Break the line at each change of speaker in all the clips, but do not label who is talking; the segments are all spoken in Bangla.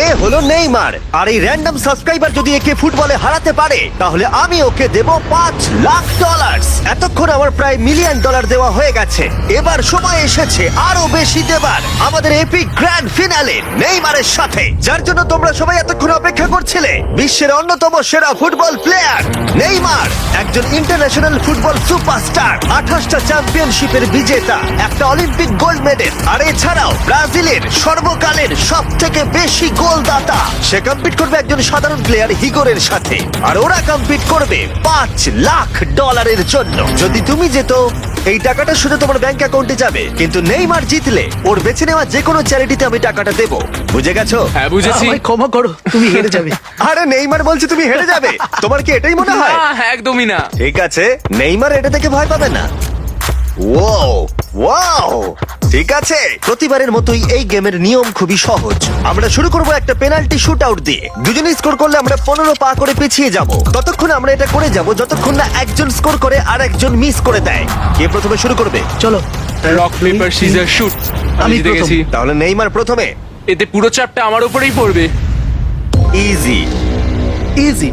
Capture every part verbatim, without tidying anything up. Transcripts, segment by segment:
এ হলো নেইমার, আর এই র্যান্ডম সাবস্ক্রাইবার যদি একে ফুটবলে হারাতে পারে তাহলে আমি ওকে দেব পাঁচ লাখ ডলার। এতক্ষণ আমার প্রায় মিলিয়ন ডলার দেওয়া হয়ে গেছে, এবার সময় এসেছে আরো বেশি দেবার আমাদের এপিক গ্র্যান্ড ফিনালে নেইমারের সাথে, যার জন্য তোমরা সবাই এতক্ষণ অপেক্ষা করছিলে। বিশ্বের অন্যতম সেরা ফুটবল প্লেয়ার নেইমার, একজন ইন্টারন্যাশনাল ফুটবল সুপারস্টার, আঠাশটা চ্যাম্পিয়নশিপের বিজেতা, একটা অলিম্পিক গোল্ড মেডেল, আর এছাড়াও ব্রাজিলের সর্বকালের সব থেকে বেশি গোলদাতা। সে কম্পিট করবে একজন সাধারণ প্লেয়ার হিগোরের সাথে, আর ওরা কম্পিট করবে পাঁচ লাখ ডলারের জন্য। যদি তুমি যেত এই টাকাটা শুধু তোমার ব্যাংক অ্যাকাউন্টে যাবে, কিন্তু নেইমার জিতলে ওর বেছে নেওয়া যে কোনো চ্যারিটিতে আমি টাকাটা দেবো। বুঝে গেছো?
হ্যাঁ বুঝেছি।
আমায় ক্ষমা করো, তুমি হেরে যাবে।
আরে নেইমার বলছে তুমি হেরে যাবে, তোমার কি এটাই মনে হয়?
না, একদমই না।
ঠিক আছে, নেইমার এটা থেকে ভয় পাবে না। ওয়াও ওয়াও, ঠিক আছে। প্রতিবারের মতোই এই গেমের নিয়ম খুবই সহজ। আমরা শুরু করব একটা পেনাল্টি শুট আউট দিয়ে। দুজনে স্কোর করলে আমরা পনেরো পা করে পিছিয়ে যাব। ততক্ষণ আমরা এটা করে যাব যতক্ষণ না একজন স্কোর করে আর একজন মিস করে দেয়। কে প্রথমে শুরু করবে?
চলো।
Rock paper scissor shoot. আমি
আমি
জিতে
প্রথম।
গেছি।
তাহলে নেইমার প্রথমে।
এতে পুরো চাপটা আমার উপরেই পড়বে।
ইজি।
ইজি।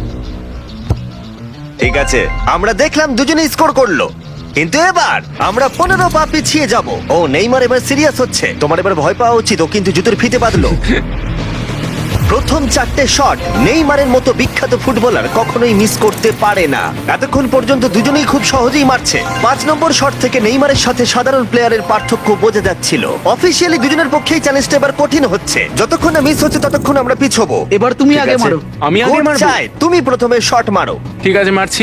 ঠিক আছে, আমরা দেখলাম দুজনে স্কোর করলো, কিন্তু এবার আমরা পনেরো পা পিছিয়ে যাব। ও নেইমার এবার সিরিয়াস হচ্ছে, তোমার এবার ভয় পাওয়া উচিত। ও কিন্তু জুতোর ফিতে বাঁধলো। প্রথম চারটে শট নেইমারের মতো বিখ্যাত ফুটবলার কখনোই মিস করতে পারে না। এতক্ষণ পর্যন্ত দুজনেই খুব সহজেই মারছে। পাঁচ নম্বর শট থেকে নেইমারের সাথে সাধারণ প্লেয়ারের পার্থক্য বোঝা যাচ্ছিল। অফিসিয়ালি দুজনের পক্ষেই চ্যালেঞ্জটা এবার কঠিন হচ্ছে। যতক্ষণ না মিস হচ্ছে ততক্ষণ আমরা পিছবো।
এবার তুমি
ঠিক
আগে
আছে?
মারো।
আমি আগে
Good
মারবো?
চাই, তুমি প্রথমে শট মারো।
ঠিক আছে, মারছি।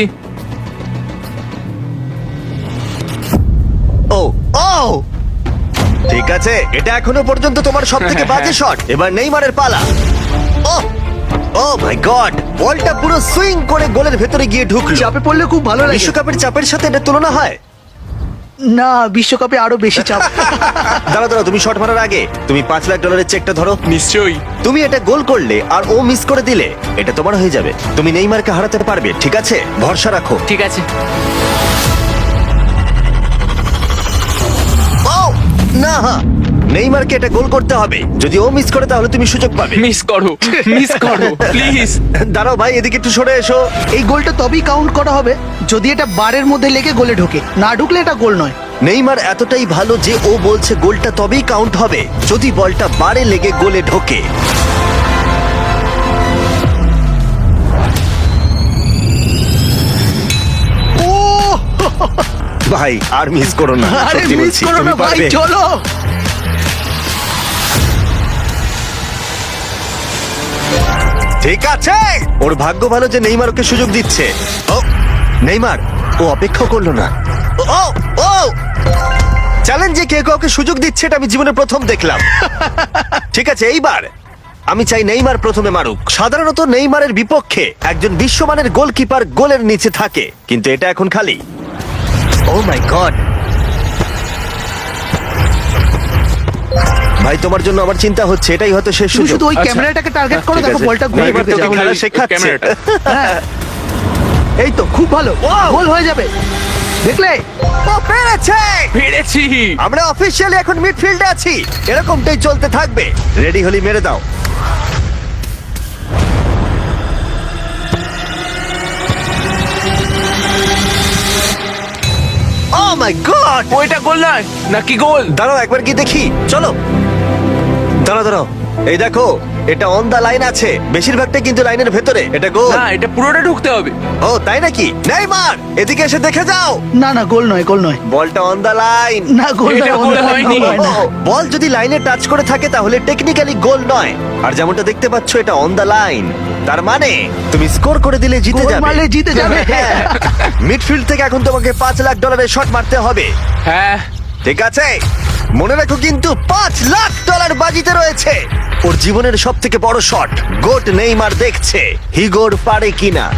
ও ও ঠিক আছে, এটা এখনো পর্যন্ত তোমার সব থেকে বাজে শট। এবার নেইমারের পালা। ও ও মাই গড, বলটা পুরো সুইং করে গোলের ভেতরে গিয়ে ঢুকলো।
চাপে পড়লে খুব ভালো লাগে।
বিশ্বকাপের চাপের সাথে এটা তুলনা হয়?
না, বিশ্বকাপে আরো বেশি চাপ।
দাঁড়া দাঁড়া, তুমি শট মারার আগে তুমি পাঁচ লাখ ডলারের চেকটা ধরো।
নিশ্চয়ই।
তুমি এটা গোল করলে আর ও মিস করে দিলে এটা তোমার হয়ে যাবে। তুমি নেইমারকে হারাতে পারবে, ঠিক আছে? ভরসা রাখো।
ঠিক আছে।
ও না, নেইমারকে এটা গোল করতে হবে। যদি ও মিস করে তাহলে তুমি সুযোগ পাবে।
মিস করো, মিস করো প্লিজ।
দাঁড়াও ভাই, এদিকে একটু সরে এসো।
এই গোলটা তবেই কাউন্ট করা হবে যদি এটা বারের মধ্যে লেগে গোলে ঢোকে। না ঢুকলে এটা গোল নয়।
নেইমার এতটাই ভালো যে ও বলছে গোলটা তবেই কাউন্ট হবে যদি বলটা বারে লেগে গোলে ঢোকে।
ও
ভাই আর মিস করো না,
আরে
সত্যি
মিস
বলছি,
করো
তুমি
না ভাই,
পারবে।
চলো।
ঠিক আছে, ওর ভাগ্য ভালো যে নেইমার ওকে সুযোগ দিচ্ছে। ও নেইমার, ও অপেক্ষা করলো না। ও ও চ্যালেঞ্জে কে কাউকে সুযোগ দিচ্ছে এটা আমি জীবনে প্রথম দেখলাম। ঠিক আছে, এইবার আমি চাই নেইমার প্রথমে মারুক। সাধারণত নেইমারের বিপক্ষে একজন বিশ্বমানের গোলকিপার গোলের নিচে থাকে, কিন্তু এটা এখন খালি। ও মাই গড, ভাই তোমার জন্য আমার চিন্তা হচ্ছে, এটাই হয়তো শেষ
তুমি
সুযোগ।
শুধু ওই
আচ্ছা।
ক্যামেরাটাকে টার্গেট করো,
ঠিক
দেখো
আছে।
বলটা ঘুরে
নেইমার
ঢুকে
তোকে
যাবে।
খেলা শেখাচ্ছে।
ক্যামেরাটা।
হ্যাঁ। এই তো খুব ভালো,
Wow!
গোল হয়ে যাবে। দেখলে?
ও পেরেছে!
পেরেছি।
আমরা অফিসিয়ালি এখন মিডফিল্ডে আছি। এরকমটাই চলতে থাকবে। রেডি হলি মেরে দাও। Oh my god!
ওইটা গোল নয় নাকি গোল?
দাঁড়াও একবার কি দেখি, চলো। দাঁড়াও দাঁড়াও, এই দেখো এটা অন দা লাইন আছে। বেশিরভাগটা কিন্তু লাইনের ভেতরে। এটা গোল।
না, এটা পুরোটা ঢুকতে হবে।
ও তাই নাকি? নেইমার এদিকে এসে দেখে যাও।
না না, গোল নয়, গোল নয়।
বলটা অন দা লাইন।
না, গোল
এটা
নয়,
গোল
গোল
হয়নি।
হয় না।
বল যদি লাইনে টাচ করে থাকে তাহলে টেকনিক্যালি গোল নয়। আর যেমনটা দেখতে পাচ্ছ এটা অন দা লাইন, তার মানে তুমি স্কোর করে দিলে জিতে
গোল
যাবে।
মারলে জিতে যাবে।
মিডফিল্ড থেকে এখন তোমাকে পাঁচ লাখ ডলারের শট মারতে হবে।
হ্যাঁ।
ঠিক আছে, মনে রাখো কিন্তু পাঁচ লাখ ডলার বাজিতে রয়েছে। ওর জীবনের সব থেকে বড় শট। গোট নেইমার দেখছে হিগোর পারে কিনা।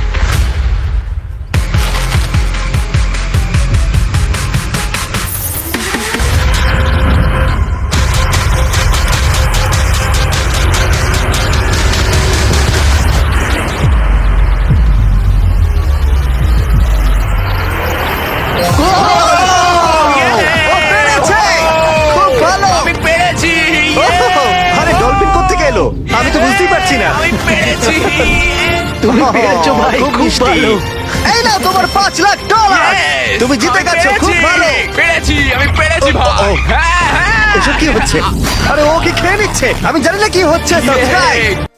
ও পেরেছে! খুব ভালো!
আমি পেরেছি।
আরে ডলফিন কোত্থেকে এলো? আমি তো পারছি না
আমি পেরেছি
তুমি পেরেছো ভাই,
খুব
খুব
মিষ্টি।
ভালো।
এই নাও তোমার পাঁচ লাখ ডলার
Yes!
তুমি জিতে
আমি
গেছো খুব
পেরেছি,
ভালো
পেরেছি আমি পেরেছি
ও, ও,
ভাই
ও।
হ্যাঁ হ্যাঁ
এসব কি হচ্ছে আরে ও কি খেয়ে নিচ্ছে আমি জানি না কি হচ্ছে সাবস্ক্রাইব
Yay!